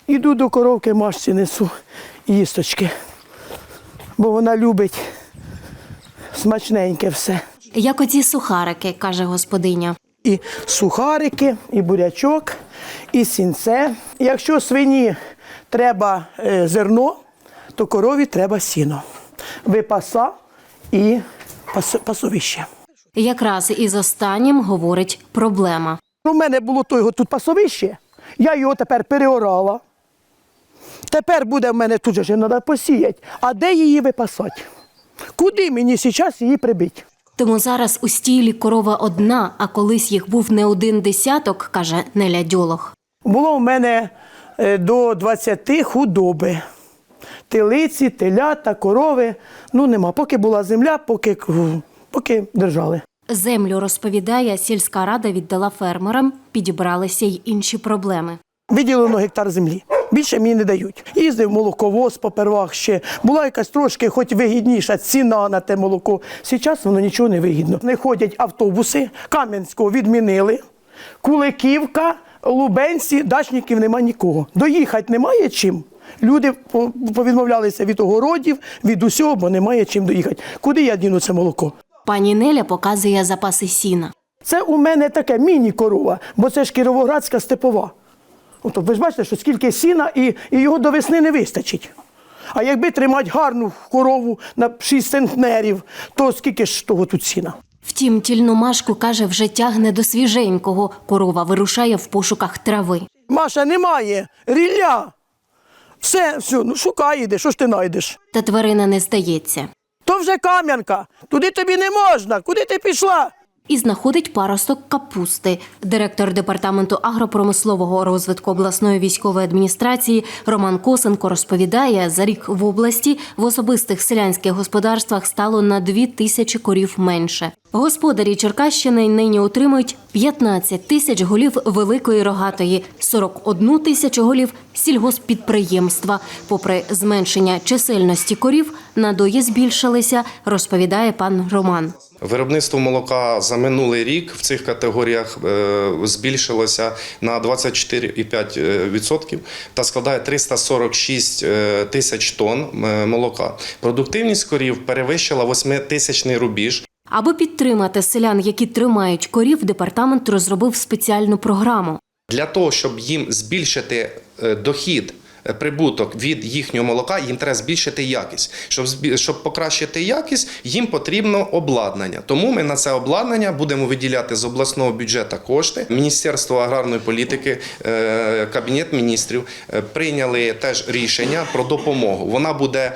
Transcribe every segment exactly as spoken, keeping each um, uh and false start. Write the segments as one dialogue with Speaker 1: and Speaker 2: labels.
Speaker 1: Іду до коровки, Машці несу їсточки, бо вона любить смачненьке все.
Speaker 2: Як оці сухарики, каже господиня.
Speaker 1: І сухарики, і бурячок, і сінце. Якщо свині треба е, зерно, то корові треба сіно. Випаса і пас, пасовище.
Speaker 2: Якраз із останнім говорить проблема.
Speaker 1: У мене було того тут пасовище, я його тепер переорала. Тепер буде в мене тут же треба посіяти. А де її випасати? Куди мені зараз її прибити?
Speaker 2: Тому зараз у стілі корова одна, а колись їх був не один десяток, каже Неля Дьолох.
Speaker 1: Було в мене е, до двадцяти худоби. Телиці, телята, корови. Ну нема. Поки була земля, поки, поки держали.
Speaker 2: Землю, розповідає, сільська рада віддала фермерам, підібралися й інші проблеми.
Speaker 1: Виділено гектар землі. Більше мені не дають. Їздив молоковоз попервах ще. Була якась трошки хоч вигідніша ціна на те молоко. Зараз воно нічого не вигідно. Не ходять автобуси, Кам'янського відмінили, Куликівка, Лубенці, дачників нема нікого. Доїхати немає чим. Люди повідмовлялися від огородів, від усього, бо немає чим доїхати. Куди я діну це молоко?
Speaker 2: Пані Неля показує запаси сіна.
Speaker 1: Це у мене таке міні-корова, бо це ж Кіровоградська степова. Ото, ви ж бачите, що скільки сіна, і, і його до весни не вистачить. А якби тримати гарну корову на шість центнерів, то скільки ж того тут сіна?
Speaker 2: Втім, тільну Машку, каже, вже тягне до свіженького. Корова вирушає в пошуках трави.
Speaker 1: Маша, немає, рілля. Все, все, ну шукай іди, що ж ти знайдеш?
Speaker 2: Та тварина не здається.
Speaker 1: То вже Кам'янка, туди тобі не можна, куди ти пішла?
Speaker 2: І знаходить паросток капусти. Директор департаменту агропромислового розвитку обласної військової адміністрації Роман Косенко розповідає, за рік в області в особистих селянських господарствах стало на дві тисячі корів менше. Господарі Черкащини нині отримують п'ятнадцять тисяч голів великої рогатої, сорок одну тисячу голів сільгосппідприємства. Попри зменшення чисельності корів, надої збільшилися, розповідає пан Роман.
Speaker 3: Виробництво молока за минулий рік в цих категоріях збільшилося на двадцять чотири цілих п'ять десятих відсотка та складає триста сорок шість тисяч тонн молока. Продуктивність корів перевищила восьмитисячний рубіж.
Speaker 2: Аби підтримати селян, які тримають корів, департамент розробив спеціальну програму.
Speaker 3: Для того, щоб їм збільшити дохід, прибуток від їхнього молока, їм треба збільшити якість. Щоб, щоб покращити якість, їм потрібно обладнання. Тому ми на це обладнання будемо виділяти з обласного бюджету кошти. Міністерство аграрної політики, Кабінет міністрів прийняли теж рішення про допомогу. Вона буде,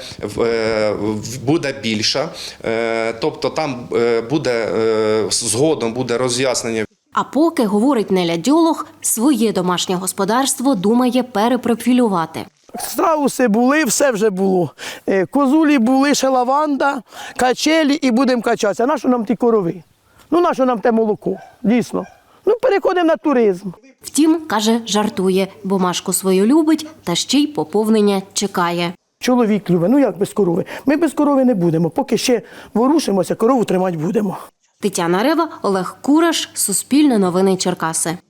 Speaker 3: буде більша, тобто там буде, згодом буде роз'яснення.
Speaker 2: А поки, говорить Неля Дьолох, своє домашнє господарство думає перепрофілювати.
Speaker 1: Страуси були, все вже було. Козулі були, ще лаванда, качелі і будемо качатися. Нащо нам ті корови? Ну, нащо нам те молоко? Дійсно. Ну, переходимо на туризм.
Speaker 2: Втім, каже, жартує, бо Машку свою любить та ще й поповнення чекає.
Speaker 1: Чоловік любить, ну як без корови? Ми без корови не будемо. Поки ще ворушимося, корову тримати будемо.
Speaker 2: Тетяна Рева, Олег Кураш, Суспільне новини Черкаси.